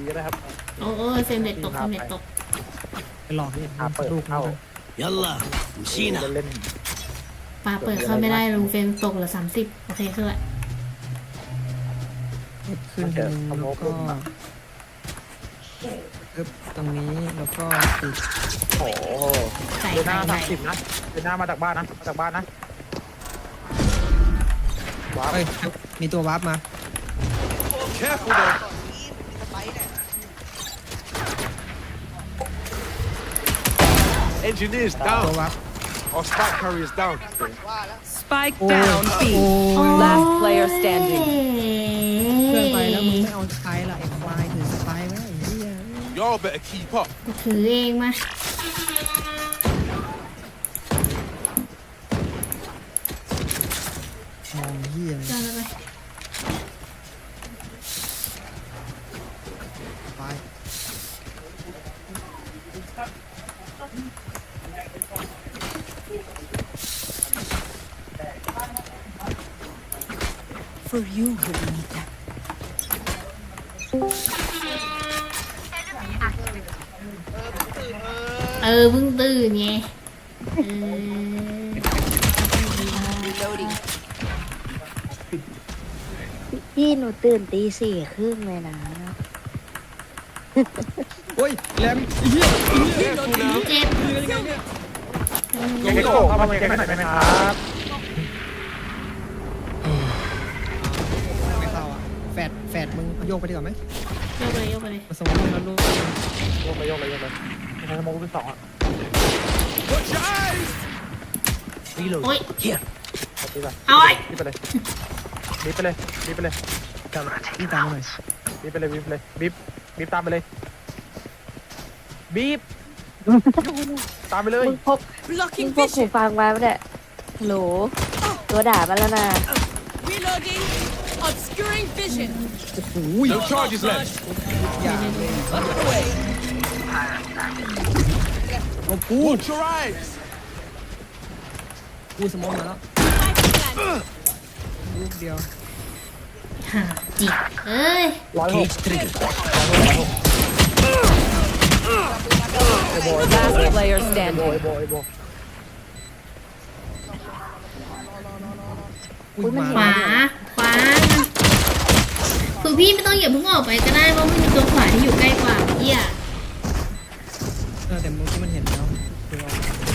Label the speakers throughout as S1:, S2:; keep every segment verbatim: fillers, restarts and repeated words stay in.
S1: ดีๆก็ได้ครับ
S2: โอ้โอ้เฟรมเรทตกเฟรมเรทตก
S3: ไปหลอกนี่
S1: หาเปิด
S3: ลูก
S1: เข้า
S4: ยัลล่ะชีนะ
S1: เล่น
S2: ปลาเปิดเข้าไม่ได้ลุงเฟรมตกเหลือสามสิบโอเคขึ้นละ
S3: ขึ้นหนึ่งแล้วก็ปึ๊บตรงนี้แล้วก็ติด
S1: โอ้โห
S2: ใส่
S1: เดินห
S2: ใส่
S1: น้า
S2: ใส่
S1: สามสิบนะเดินหน้ามาจากบ้านนะมาจากบ้านนะว้าว
S3: เอ้ยมีตัววาร์ปมา
S5: Careful though. Engineers
S3: ตัว
S5: down.
S3: วาร์ป
S5: Our spike carriers down.
S6: Spike
S3: โอ้
S6: down
S3: โอ้
S6: B. Last player standing.
S3: เพื่อนไปแล้วมึงไม่เอาสไปร์ละไอ้ควายถือสไปร์ไว้ไอ้เหี้ย
S5: Y'all better keep up.
S2: กูถือเองมา
S3: มองเหี้ย
S2: เดินไป
S3: ไป
S6: For you, Renita.
S2: เออเพิ่งตื่นไงเออ
S6: Reloading.
S7: พี่หนูตื่นตีสี่ครึ่งเลยนะ
S3: โอ้ยแรมไอ้เหี้ย
S2: เจ็บ
S1: เก๊กโก้เข้ามาเก๊กหน่อยได้ไหมครับ
S3: ไม่เข้าอ่ะแฟดแฟดมึงโยกไปดีกว่าไหม
S2: โยกไปโยกไปเลย
S3: มาสมองแล้วลูก
S1: โยกไปโยกไปโยกไปใช้สมองเป็นสองอ่ะ
S5: Watch your eyes.
S1: นี่เลย
S2: โอ้ย
S1: ดีไป
S2: เอาไอ้
S1: ดีไปเลยดีไปเลยดีไปเลย
S3: จำพี่ตามมาหน่อย
S1: บีบไปเลยบีบไปเลยบีบบีบตามไปเลยบีบตามไปเลย
S7: มึงพกมึงพกหูฟังมาปะเนี่ยโหลตัวด่ามาแล้วนะ
S6: Reloading. Obscuring vision.
S3: โอ้โห
S5: No charges left.
S3: อย่าเลย
S6: Away.
S3: เอากู
S5: Watch your eyes.
S3: กูสมองมาแล้วลูกเดียว
S2: หาจิกเอ้ย
S1: ร้อยหก
S6: Last player
S1: โบ
S6: standing.
S1: ยโบยโบย
S3: อุ้ยมา
S2: ขวาขวาคือพี่ไม่ต้องอย่าเพิ่งออกไปก็ได้เพราะมันมีตัวขวาที่อยู่ใกล้กว่าเหี้ย
S3: เออแต่เมื่อกี้มันเห็นแล้วคือเอา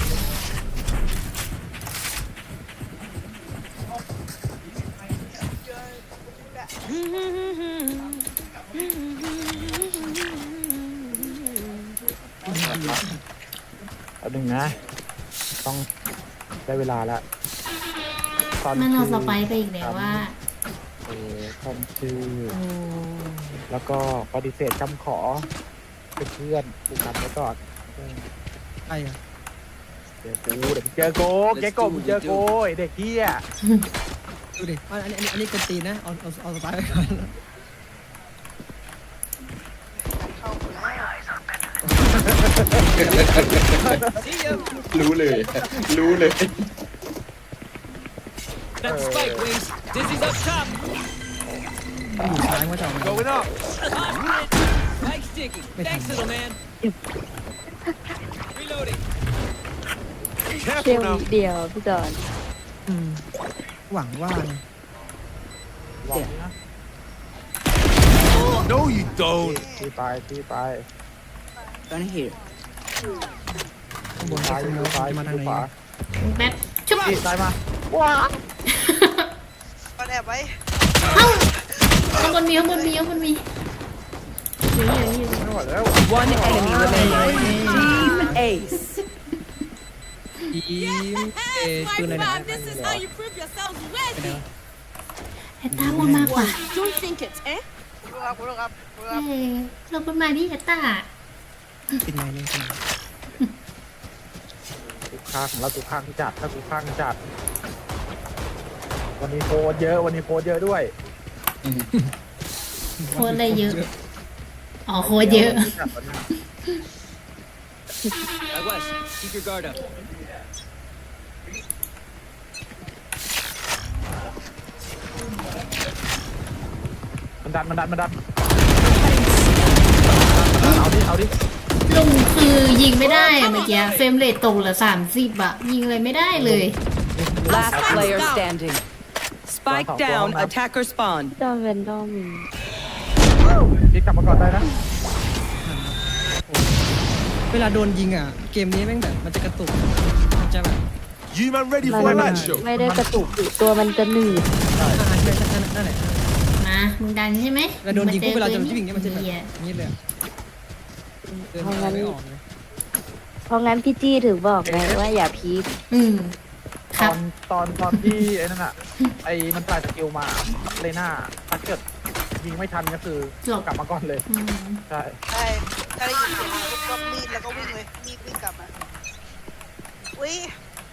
S1: เอาหนึ่งนะต้องได้เวลาแล้วตอน
S2: มันเรา
S1: ชื่
S2: สไปไปอีกแล้วว่า
S1: เออคำชื่อ
S2: โอ้
S1: แล้วก็ปฏิเสธคำขอเป็นเพื่อนกูกลับไว้ก่อน
S3: ไอ้อะ
S1: เดี๋ยวกูเดี๋ยวมึงเจอโกเก๊กโก้มึงเจอโกไอ้เด็กเฮีย
S3: ดูดิอันอันนี้อันนี้กดตีนนะเอาเอาเอาสไปร์ไปก่อน
S8: รู้เลย รู้เลย
S4: That spike wings. Dizzy's up top.
S3: มันอยู่ซ้ายว่าจะเอามัน
S5: Going up.
S4: Spike sticky. Thanks, little man. Reloading.
S7: เชี่ยว
S5: Careful now.
S7: นิดเดียวพี่จอน
S3: อืมหวังว่านะ
S1: หวังนะ
S5: No, you don't.
S1: ตีไปตีไป
S6: Gonna hear.
S3: ข้างบน
S1: ซ้า
S3: ซ้าย ย
S1: ดู
S3: มือ
S1: ซ้าย
S3: จะมาทาง
S1: ดู
S3: ไหน
S1: ขวา
S2: แป๊บชุบ
S1: ตีซ้ายมาว้า
S9: มันแอบไว้
S2: เอ้าข้างบนมีข้างบนมีข้างบนมีอยู่นี่อยู่นี่
S1: ไม่ไหวแล้ว
S6: One enemy remaining. Team Ace.
S3: ทีมเอคืออะไรนะ
S6: This is how you prove yourselves
S3: ไปไหน
S6: worthy.
S3: วะ
S2: ไอ้ตาบนมากกว่า
S6: Don't think it, eh?
S9: รู้ครับรู้ครับรู้ค
S2: เอ้
S9: รับ
S2: ยเราบนมาดิไอ้ตา
S3: เป็นไงเนี่ยเป็นไง
S1: กูข้างแล้วกูข้างจัดถ้ากูข้างจัด วันนี้โพสเยอะวันนี้โพสเยอะด้วย
S2: โคตรอะไรเยอะอ๋อโคตรเยอะ
S4: Out west. Keep your guard up.
S1: มันดันมันดันมันดันเอาดิเอาดิ
S2: ลุงคือยิงไม่ได้อะเมื่อกี้เฟรมเรทตกเหลือสามสิบอะยิงอะไรไม่ได้เลย
S6: Last player standing. Spike down. Attacker spawn.
S7: จอมเป็นดอม
S1: พี่กลับมาก่อนได้นะ
S3: เวลาโดนยิงอ่ะ เกมนี้แม่งแบบมันจะกระตุก มันจะแบบ
S5: You man ready
S7: มัน
S5: for a match show?
S7: ไม่ได้กระตุกอยู่ตัวมันจะหนืด
S3: อ่าใช่ใช่นั่นแหละ
S2: มามึงดันใช่ไหม
S3: เวลาโดนยิงปุ๊บเวลาจะยิงอย่างเงี้ยมันจะแบบ
S2: เหี้ย
S3: นี้เลยอะเดินไม่ไม่ออกเลย
S7: เพราะงั้นพี่จี้ถึงบอกไงว่าอย่าพีค
S2: อืมค
S1: ต
S2: รั
S1: อบ นตอนตอนที่ไอ้นั่นอะไอ้มันปลายสกิลมาเลน่าถ้าเกิดยิงไม่ทันก็คืออกลับมาก่อนเลย
S2: อืม
S1: ใช่
S9: ใช่ถ้าได้ยินเสียงปุ๊บก็มีดแล้วก็วิ่งเลยมีดวิ่งกลับมาอุ้ย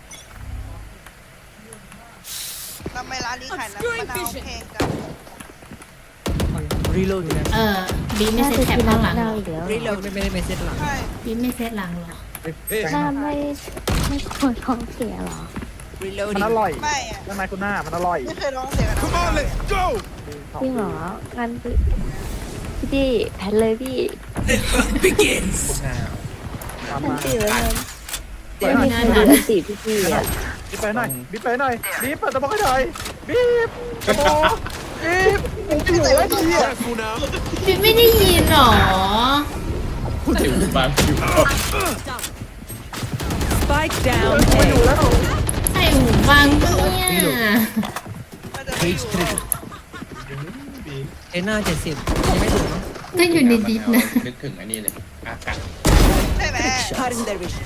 S9: ทำไมร้านนี้ขายน้ำมะนาวแพงจัง
S3: รีโหลด
S2: เออบีไม่
S7: น่า
S2: เซต
S7: จะ
S2: แท็บ
S7: กิน
S2: ข้างหลัง
S7: น้ำ
S2: เหร
S7: เน่า
S2: อ
S7: อีกแล้ว
S3: รีโหลดไม่ได้ไม่เซตหลัง
S9: ใช่
S2: บีไม่เซตหลังเหรอ
S7: หน้าไม่ไม่ควรท้องเสียเหรอ
S1: มันอร่อย
S9: ไม่อะ
S1: ใช่ไหมคุณหน้ามันอร่อย
S9: ไม่เคยร้องเสียงกัน
S5: Come on, let's go.
S7: จริงเหรองั้นพี่พี่จี้แพนเลยพี่
S1: ตาม
S7: แพน
S1: มา
S7: ตีไว้เลย
S1: เปิด
S7: ไม่
S1: หน่อย
S7: มีใครดูตีพี่จี้อ่ะ
S1: บีบไปหน่อยบีบไปหน่อยบีบเปิดตะบอกให้หน่อยบีบตะบอกบีบมึงจะอยู่ไว้ดีอ่ะ
S5: Careful now.
S2: บีไม่ได้ยินเหรอ
S8: พูดถึงบางคิว
S6: Spike down.
S1: ไม่อยู่
S6: A.
S1: แล้ว
S2: ใส่หูฟังเนี่ย
S9: น่าจะไม่อยู่หรอก
S3: เอหน้าเจ็ดสิบยังไม่ถึงเนาะ
S2: ก็อยู่ในดิสนะ
S8: นึกถึงอันนี้เลยอากาศ
S9: ใช่ไหม
S6: Cutting their vision.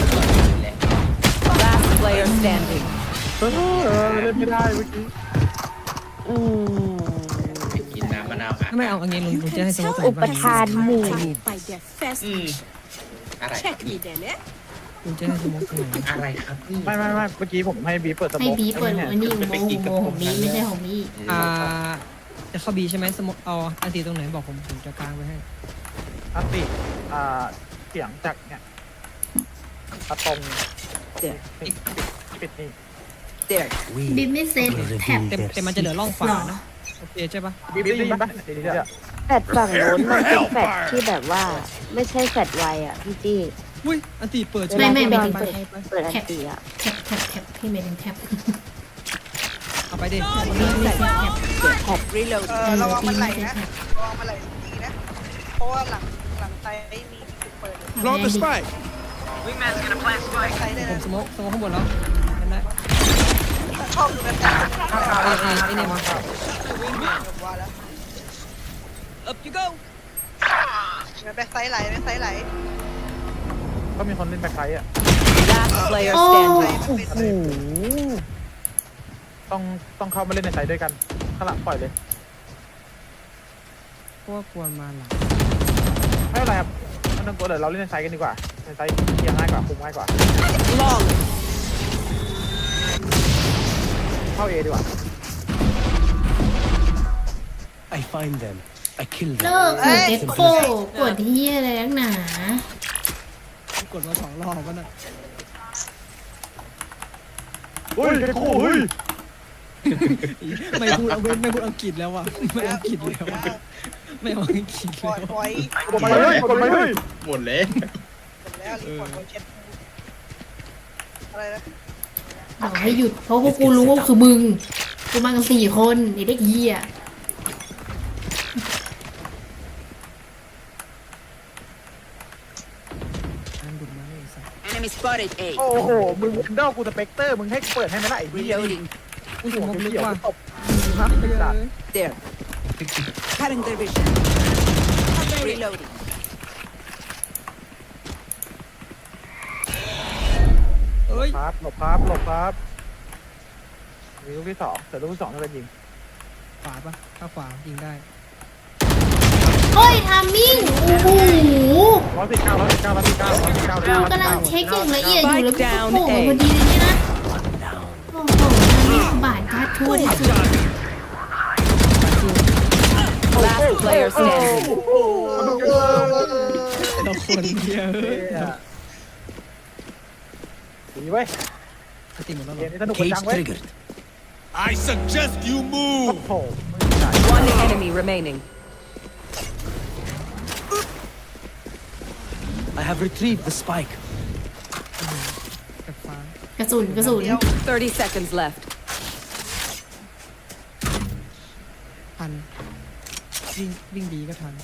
S6: Last player standing.
S1: เออเล่นไม่ได้เมื่อกี้
S7: อืม
S8: ไปกินน้ำมะนาวอ่ะ
S3: ถ้าไม่เอาอันนี้ลุงลุงจะให้สมมติ
S7: อุปทานหมู่
S8: อืมอะไร
S3: ลุงจะให้สมมติ
S8: อะไรครับนี่
S1: ไม่ไม่ไม่เมื่อกี้ผมให้บีบเปิดตะบ
S2: ให้
S1: อก
S2: บีเปิดหัวนี่อุโมงค์อุโมงค์ของบีไม่ใช่ของบี
S3: อ่าจะเข้าบีใช่ไหมสมมติเอาอันตีตรงไหนบอกผมผมจะกางไปให้
S1: อันติอ่าเสียงจากเนี่ยอะตอม
S6: There.
S1: ปิดปิดนี่
S6: There.
S2: บีไม่เซตแท็บ
S3: แต่แต่มันจะเหลือร่องฝานะโอเคใช่ปะ
S1: บีบได้ยินปะเดี๋ยวเดี๋ยว
S7: แฟดฝั่งโน้นมันเป็นแฟดที่แบบว่า ไม่ใช่แฟดไวอ่ะพี่จี้
S3: อุ้ยอันตีเปิด
S2: ไม่ไม่ไม่
S7: เว
S2: ถึ
S7: ลาง ที่
S2: แท็บ
S7: โดนเปิดอันตีอ่ะ
S2: แท็บแท็บแท็บพี่ไม่ถึงแท็บ
S3: เอาไปดิ
S2: บีไม่เซตแท็บ
S6: Reload.
S9: เออระวังมันไหลนะระวังมันไหลดีนะ เพราะว่าหลังหลังไซต์มีจุดเปิด
S5: Plant the spike.
S9: ไซต์เลย
S3: ผม
S9: นะ
S3: สมมติสมมติข้างบนแล้วเห็นไหม
S9: ชอบดูแบบนี้
S3: ไอ้ไอ้ไอ้เนี่ยมา
S9: แบบว่าแล้ว
S4: Up you go.
S9: แบ็คไซต์ไหลแบ็คไซต์ไหล
S1: ก็มีคนเล่นแบ็คไซด์อ่ะ
S6: Last player
S2: โอ้
S6: standing.
S7: โอ้โห
S1: ต้องต้องเข้ามาเล่นในไซด์ด้วยกันข้างหลังปล่อยเลย
S3: พวกควรมาหลัง
S1: ไม่เป็นไรครับไม่ต้องกลัวเดี๋ยวเราเล่นในไซด์กันดีกว่าในไซด์เคลียร์ง่ายกว่าคุมง่ายกว่า
S6: Long.
S1: เข้าเอดีกว่า
S5: I find them. I kill
S2: เลิกคือเอ็กโคกดที่อะไรนักหนา
S3: กดมาสองรอบก็น่ะ
S1: เฮ้ยเด็กโอ้เฮ้ย
S3: ไม่พูดไม่ไม่พูดอังกฤษแล้วอ่ะไม่อังกฤษแล้วอะไม่เอาอังกฤษ
S9: ปล่
S3: แล้
S9: อยว ปล่อย
S1: กดไปเฮ้ยกดไปเฮ้ย
S8: หมดเลย
S9: หมดแล้วรีพอร์ตไว้เช็ดอะไรนะ
S2: บอกให้หยุดเพราะพวกกูรู้ว่าคือมึงกูมากันสี่คนไอ้เด็กเหี้ย
S3: อันดุมาเลยสัส
S6: Enemy spotted. A.
S1: โอ้โหมึงวินโดว์กูสเปกเตอร์มึงให้เปิดให้ไหมล่ะไอ้เหี้ย
S6: Reloading.
S3: กูสมมติลึกว่า
S1: ตบฮะไอ้สัตว์
S6: There. Cutting their vision. Reloading.
S3: เอ้ย
S1: ครับหลบครับหลบครับมีลูกที่สองแต่ลูกที่สองน่าจะยิง
S3: ขวาปะถ้าขวายิงได้
S2: โอ้ยทามมิ่งโอ้โห
S1: ร้อยสิบเก้าร้อยสิบเก้าร้อยสิบเก้าร้อยสิบเก้า
S2: เรากำลังเช็คอย่างละเอียดอยู่แล้วก็โผล่มาพอดีเลยเนี่ยนะโอ้โหนี่บาดทัดทั่วที่สุด
S6: Last player standing.
S3: เราคนเดียว
S1: ดีเว้ย
S3: ติดหมดแล้ว
S1: เก
S3: เหรอ
S1: มนี้สนุกกว่าจังเว้ย
S5: I suggest you
S1: โอ้
S5: move.
S1: โห
S6: One enemy remaining.
S5: I have retrieved the spike.
S3: กับฟ้าก
S2: ระสุนกระสุน
S6: thirty seconds left.
S3: ทันวิ่งวิ่งดีก็ทัน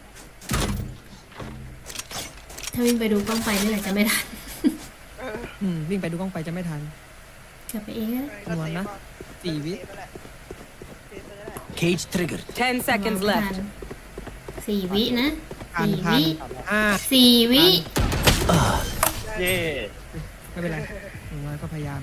S2: ถ้าวิ่งไปดูกล้องไฟนี่แหละจะไม่ทัน
S3: อืมวิ่งไปดูกล้องไปจะไม่ทัน
S2: กลับไปเองนะ
S3: คำนวณนะ สี่วิ
S5: Cage triggered.
S6: ten seconds
S2: ไม่ทั
S6: left.
S2: นสี่วินะ
S3: ทัน
S2: สี่
S3: ทัน
S2: วิ
S3: อ่า
S2: สี่วิ
S1: เย่
S3: ไม่เป็นไรอย่างน้อยก็พยายาม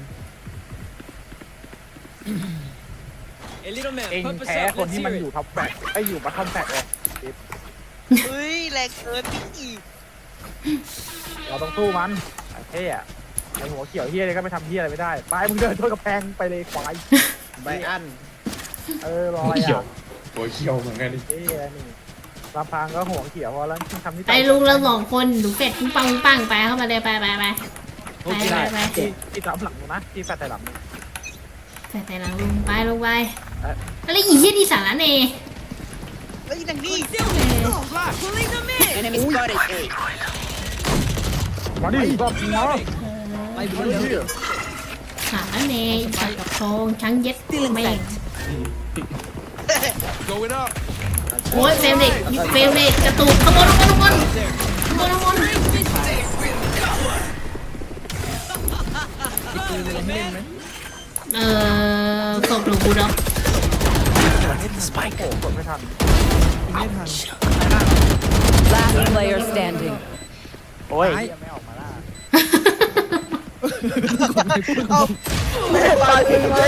S4: Hey, little man,
S1: เอง
S4: pump us
S1: แพ้
S4: up.
S1: คน
S4: Let's
S1: ที่มัน
S4: hear
S1: อยู่
S4: it.
S1: ท็อปแปดไอ้อยู่บัตทอมแปดเลย
S9: เฮ้ยแรงเกินพี่อีก
S1: เราต้องสู้มันไอ้เท่อะไอ้หัวเขียวเฮียเลยก็ไม่ทำเฮียอะไรไม่ได้ไปมึงเดินชนกระแพงไปเลยควาย
S8: ไบอัน
S1: เออรอ
S8: หัว
S1: อะไร
S8: เขียว
S1: อ่ะ
S8: หัวเขียวเหมือนกันดิ
S1: เฮียนี่ลำพังก็หัวเขียวพอแล้วทำที่
S2: ไปลุงเราสองคนหนูเป็ดปุ้งปังปุ้งปังไปเข้ามาเลยไปไปไปไปไปไป
S1: ที่ที่รับหลังนะที่แฟดแต่หลัง
S2: ใส่แต่หลังลุงไปลงไปอะไรอีเหี้ยดีสาระเน
S9: แล้วอีนังนี่
S4: Pulling them in.
S6: Enemy spotted. A.
S1: มาดิรอบนี้เนาะ
S3: ไปดูเร็ว
S2: สาระเนจับกับทองช้างเย็ดแม่ง
S5: Going up.
S2: โอ้ยเฟรมเด็กเฟรมเด็กกระตุกขโมยขโมยขโมยขโมยขโมย
S3: มีปืนอะไรให้เล่นไหม
S2: เอ่อส่งหลวงปู่ด็อก
S1: Spike โอ้กดไม่ทัน
S3: ยิงไม่ทัน
S6: Last player standing.
S1: โอ้ย
S3: ตาย
S1: ไม่ออกมาล่า
S9: เอา
S1: ตายจริงไหม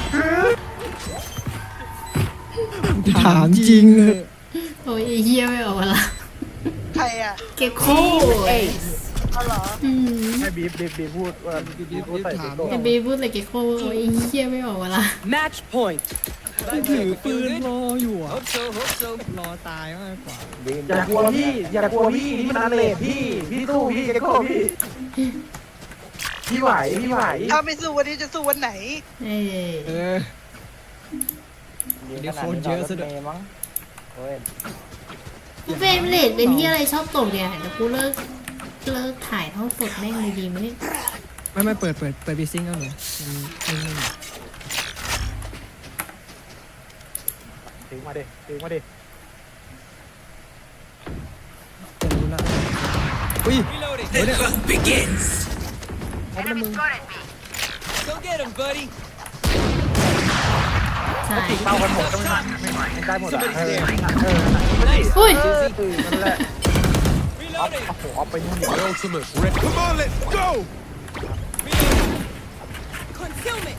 S3: ถามจริงเหอะ
S2: โอ้ยไอ้เหี้ยไม่ออกมาละ
S9: ใครอ่ะ
S2: เกโค
S6: Ace.
S9: เอาเหรอ
S2: อืม
S1: ให้บีบบีบบีบพูดว่าบีบบีบพูดใส่เด็กโด
S2: ไอ้บีพูดเลยเกโคโอ้ยไอ้เหี้ยไม่ออกมาละ
S6: Match point.
S3: ถือปืนรออยู่อ่ะ
S4: Hope so, hope so.
S3: รอตายมากกว่า
S1: อย่ากลัวพี่อย่ากลัวพี่นี่มันอันเลดพี่พี่สู้พี่เก็โก้พี่พี่ไหวพี่ไหว
S9: ถ้าไม่สู้วันนี้จะสู้วันไหน
S2: เอ้ย
S3: เออ เดี๋ยวคนเยอะซะด้วย
S1: มั้งเฮ้ย
S2: เฟรมเรทเป็นที่อะไรชอบตกเนี่ยเดี๋ยวกูเลิกเลิกถ่ายทอดสดแม่งเลยดีไหมเนี่ย
S3: ไม่ไม่เปิดเปิดเปิดบีซิงเอาหน่อยมันนิ่ง
S1: ถึงมาดิถึงมาดิ
S3: ๆจะรู้ละอุ้ย
S4: Reloading.
S3: เดี๋ยวเนี่ย
S5: Begins.
S3: เอาไปมึง
S4: Go get him, buddy.
S2: ใช่
S1: เป้ากันหมดก็ไม่ทันไม่ไหวไม่ได้หมดอ่ะเออเออ
S4: Nice.
S2: อุ้ย
S1: เออนั่นแหละออฟ
S4: Reloading.
S1: โอ้โหออฟไปนู่น
S5: My ultimate. Re- Come on, let's go.
S4: Concealment.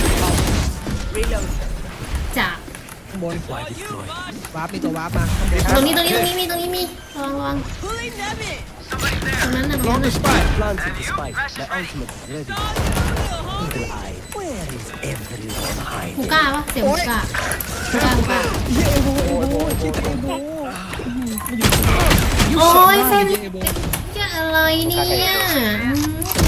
S2: จาก
S3: ข้างบน
S4: All you, boss.
S3: วาร์ปมีตัววาร์ปมาข้างบน
S2: ตรงนี้ตรงนี้ตรงนี้มีตรงนี้มีระวังระวัง
S4: Pulling them in.
S2: ตรงนั้นน่ะตรง
S5: Plant
S2: นั้น
S5: the
S2: น่ะ
S5: spike. Planted the spike. My ultimate is ready.
S4: Little homie.
S5: Eagle eye. Where is everyone
S2: ฮู
S5: hiding?
S2: ก้าปะเสียงฮูก้าฮูก้าฮูก้า
S3: เฮียเอโบเอโบคิดเอโบ
S2: โอ้ยเฟรม
S3: ยิงเอโบ
S2: จะอะไรเนี่ย